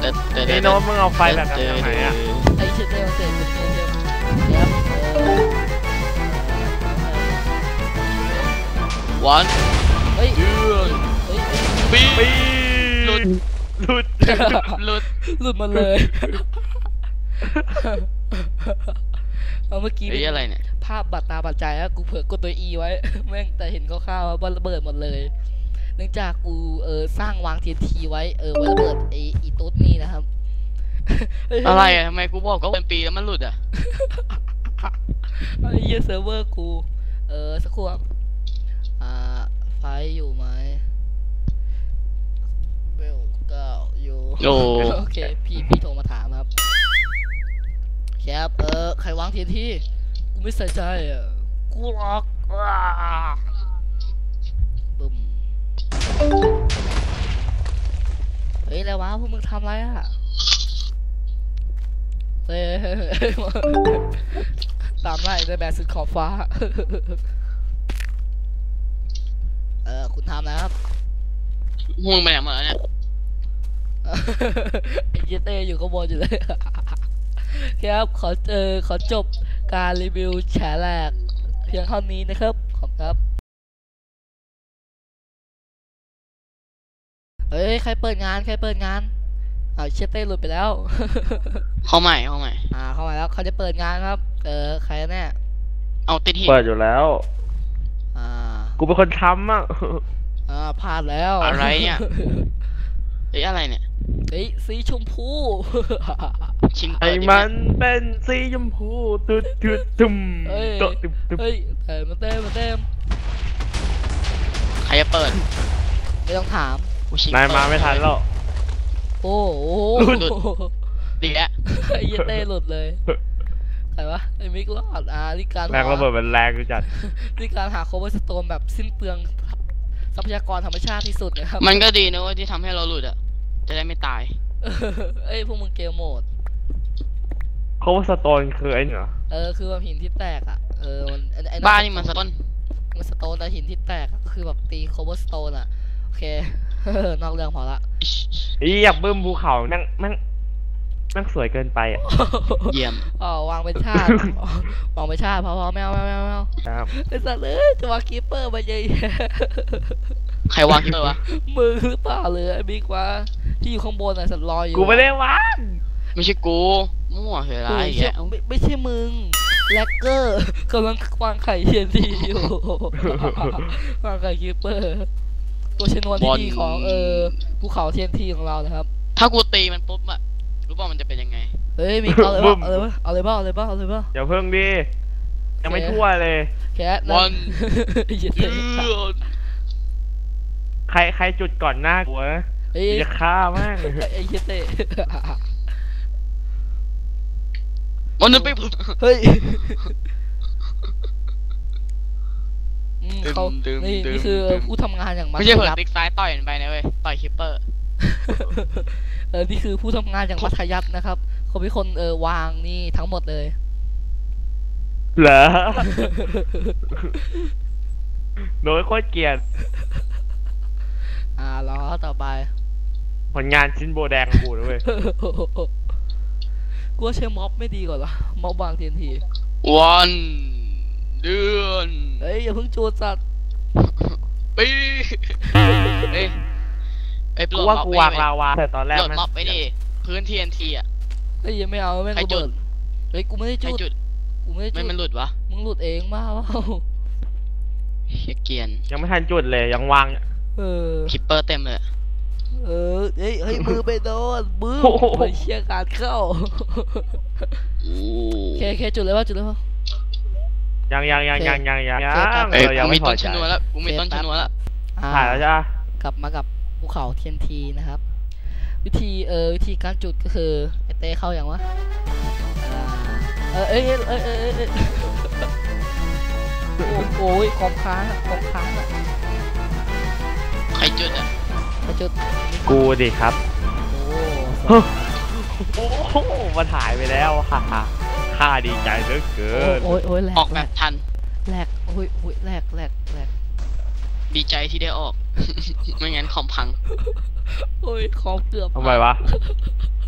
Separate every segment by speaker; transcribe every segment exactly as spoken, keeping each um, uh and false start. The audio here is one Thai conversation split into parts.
Speaker 1: ไอ้โน้ตมึงเอาไฟแบบนั้นทำไมอ่ะ
Speaker 2: ไอ้เชตเต้มาเตะคุณเชตเต้ครับ
Speaker 3: วัน
Speaker 2: เฮ้ย
Speaker 3: เดือน
Speaker 2: เฮ้ย
Speaker 3: ปี
Speaker 1: ปี
Speaker 3: หลุด
Speaker 1: หลุด
Speaker 3: หลุด
Speaker 2: หลุดมาเลยเอาเมื่อกี้
Speaker 3: ไอ้อะไรเนี่ย
Speaker 2: ภาพบัดตาบัดใจอะกูเผื่อกดตัว E ไว้แม่งแต่เห็นคร่าวๆว่าระเบิดหมดเลยเนื่องจากกูเออสร้างวาง ที เอ็น ที ไว้เออไว้ระเบิดไออีตุ๊ดนี่นะครับ
Speaker 3: อะไรอะทำไมกูบอกก็เป็นปีแล้วมันหลุดอะ
Speaker 2: ไอ้เหี้ยเซิร์ฟเวอร์กูเออสักครู่อ่าไฟอยู่ไหมเบลเก้าอยู่โอเคพี่พี่โทรมาถามครับครับเออใครวาง ที เอ็น ที กูไม่ใส่ใจอ่ะกูรักบึ้มเฮ้ยแล้ววะพวกมึงทำอะไรอ่ะเฮ้ยตามไล่ในแบบสุดขอบฟ้าเออคุณทำแล้วครับ
Speaker 3: ห่วงไปไหนมาเนี่ย
Speaker 2: ไอ้เจเต้อยู่ข้างบนอยู่เลยครับขอเออขอจบการรีวิวแฉแหลกเพียงเท่านี้นะครับขอบครับเฮ้ยใครเปิดงานใครเปิดงานเอาเชเต้หลุดไปแล้ว
Speaker 3: เข้าใหม่เข้าใหม่
Speaker 2: อ่าเข้ามาแล้วเขาจะเปิดงานครับเออใครแน่
Speaker 3: เอาติดหิน
Speaker 1: เปิดอยู่แล้ว
Speaker 2: อ่า
Speaker 1: กูเป็นคนทำอ่ะ
Speaker 2: อ่าพลาดแล้ว
Speaker 3: อะไรเนี่ยเฮ้ยอะไรเนี่ย
Speaker 2: เฮ้ยสีชมพู
Speaker 3: ชิง
Speaker 1: ไอ้มันเป็นสีชมพูตุ๊ดตุ๊ดตุ้ม
Speaker 2: โตตุ๊บตุ๊บเฮ้ยเต็มเต็มเต็ม
Speaker 3: ใครจะเปิด
Speaker 2: ไม่ต้องถาม
Speaker 1: นายมาไม่ทันแล้ว
Speaker 2: โอ้โห
Speaker 3: หลุดดีแล้ว
Speaker 2: ไอ้เต้หลุดเลยใครวะไอ้มิกรอดอ่าที่การ
Speaker 1: แรงระเบิดมันแรงจัด
Speaker 2: ที่การหาโคเวอร์สโตนแบบสิ้นเปลืองทรัพยากรธรรมชาติที่สุดนะครับ
Speaker 3: มันก็ดีนะว่าที่ทำให้เราหลุดอ่ะจะได้ไม่ตาย
Speaker 2: เอ้ยพวกมึงเกมโหมด
Speaker 1: โคเวอร์สโตนคือไอ้เหรอ
Speaker 2: เออคือแบบหินที่แตกอ่ะเออ
Speaker 3: บ้านนี่มันสโตน
Speaker 2: มันสโตนแต่หินที่แตกก็คือแบบตีโคเวอร์สโตนอ่ะโอเคนอกเรื่องพอละ
Speaker 1: อีอยากบึ้มภูเขานั่งนั่งนั่งสวยเกินไปอ่ะ
Speaker 3: เยี่ยม
Speaker 2: อ๋อวางเป็นชาติวางเป็นชาติพอพอแมวแมวแมวแมวไอ้สัตว์เลยจะวางคีเปอร์มาเยอะ
Speaker 3: ใครวางคีเปอร์วะ
Speaker 2: มือหรือเปล่าเลยไอ้บิ๊กวะที่อยู่ข้างบนน่ะสัตว์ลอยอยู่
Speaker 1: กูไม่ได้วาง
Speaker 3: ไม่ใช่กูมั่วเหรอไร
Speaker 2: อย่างเงี้ยไม่ไม่ใช่มึงแลกเกอร์กำลังวางไข่เทียนทีอยู่วางไข่คีเปอร์ตัวชนวนที่ดีของเออภูเขาเทียนทีของเรานะครับ
Speaker 3: ถ้ากูตีมันปุ๊บอะรู้ป่ะมันจะเป็นยังไง
Speaker 2: เฮ้ยมีเอาเลยบ้าเอาเลยบ้าเอาเลยบ้าเอาเลยบ้าเอาเลยบ้า
Speaker 1: อย่าเพิ่งดิยังไม่ทั่วเลย
Speaker 2: แค่
Speaker 3: วัน
Speaker 1: ใครใครจุดก่อนหน้ากูนะจะฆ่ามาก
Speaker 2: ไอ้เหี้ยเต้
Speaker 3: วันนึงไป
Speaker 2: เฮ้ยเขานี่นี่คือผู้ทำงานอย่างมัธยัสถ์
Speaker 3: ไม่ใช่เผิ่ติ๊กซ้ายต่อยไปนะเว้ยต่อยคิปเปอร์
Speaker 2: เออนี่คือผู้ทำงานอย่างมัธยัสถ์นะครับเขาเป็นคนเออวางนี่ทั้งหมดเลย
Speaker 1: เหรอโน้ยโคตรเกลียด
Speaker 2: อ่าล้อต่อไป
Speaker 1: ผลงานชิ้นโบแดงกูด้วย
Speaker 2: กูว่าใช้ม็อบไม่ดีกว่าหรอม็อบวางทีนที
Speaker 3: วันเดือน
Speaker 2: เฮ้ยอย่าเพิ่งจูดสัตว์
Speaker 3: ปีเอ้ยไอ้
Speaker 1: กูว่ากูวางลาวาแต่ตอนแรก
Speaker 3: โหลดม็อบไปดิพื้นทีเอ็นทีอ่ะ
Speaker 2: เฮ้ยยังไม่เอาแม่งระเบิดเฮ้ยกูไม่ได้จุดกูไม่ได้จุด
Speaker 3: ไม่มันหลุดวะ
Speaker 2: มึงหลุดเองมาเปล่า
Speaker 3: เฮียเกียน
Speaker 1: ยังไม่ทันจุดเลยยังวาง
Speaker 2: เออ
Speaker 3: คิปเปอร์เต็มเลย
Speaker 2: เออเฮ้ยเฮ้ยมือไปโดนมือไปเชี่ยการเข้าแค่แค่จุดเลยว่าจุดเลยว่า
Speaker 1: ยังยังยังยังยังยังยัง
Speaker 3: เอ้ยกูมีต้นชนวนแล้วกูมีต้นชนวนแล้ว
Speaker 1: ถ่ายแล้วจ้ะ
Speaker 2: กลับมากับภูเขาเทียนทีนะครับวิธีเออวิธีการจุดก็คือไอเต้เข้าอย่างวะเออเอ้ยเอ้ยเอ้ยเอ้ยเอ้ยโอ้ยคอมค้างคอมค้างอ่ะ
Speaker 3: ใครจุดอ่ะ
Speaker 2: ใครจุด
Speaker 1: กูดิครับ
Speaker 2: โอ้
Speaker 1: โอ้มาถ่ายไปแล้วฮ่าฮ่าข้าดีใจเหลือเกิน
Speaker 2: โอ้ยโอ้ยแหลก
Speaker 3: ออกแบบทัน
Speaker 2: แหลกโอ้ยโอ้ยแหลกแหลกแหลก
Speaker 3: ดีใจที่ได้ออกไม่งั้นคอมพัง
Speaker 2: โอ้ยคอมเกือบ
Speaker 1: ทำไมวะ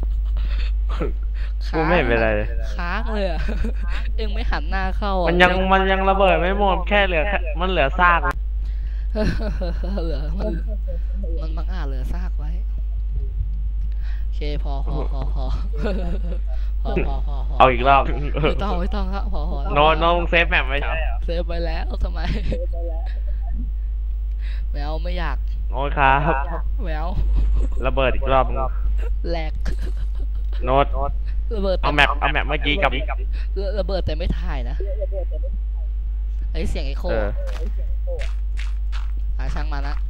Speaker 1: กูไม่เห็นเป็นไรเลย
Speaker 2: ค้างเลยอะ เอ็งไม่หันหน้าเข้าอะ
Speaker 1: มันยังมันยังระเบิดไม่หมดแค่เหลือแค่มันเหลือซาก
Speaker 2: เหลือมันมันบังอาจเหลือซากไว้โอเคพอพอพอพอพอพอพอพอ
Speaker 1: เอาอีกรอบ
Speaker 2: ไม่ต้องไม่ต้องครับพอพอ
Speaker 1: โนโนเซฟแมปไว้ใช่
Speaker 2: เซฟไปแล้วทำไมแมวไม่อยาก
Speaker 1: โอ้ยครับ
Speaker 2: แมว
Speaker 1: ระเบิดอีกรอบนึง
Speaker 2: แหลก
Speaker 1: โน้ต
Speaker 2: ระเบิด
Speaker 1: เอาแมปเอาแมปเมื่อกี้กับ
Speaker 2: ระเบิดแต่ไม่ถ่ายนะไอเสียงไอโค
Speaker 1: เออ
Speaker 2: อ่ะช่างมานะ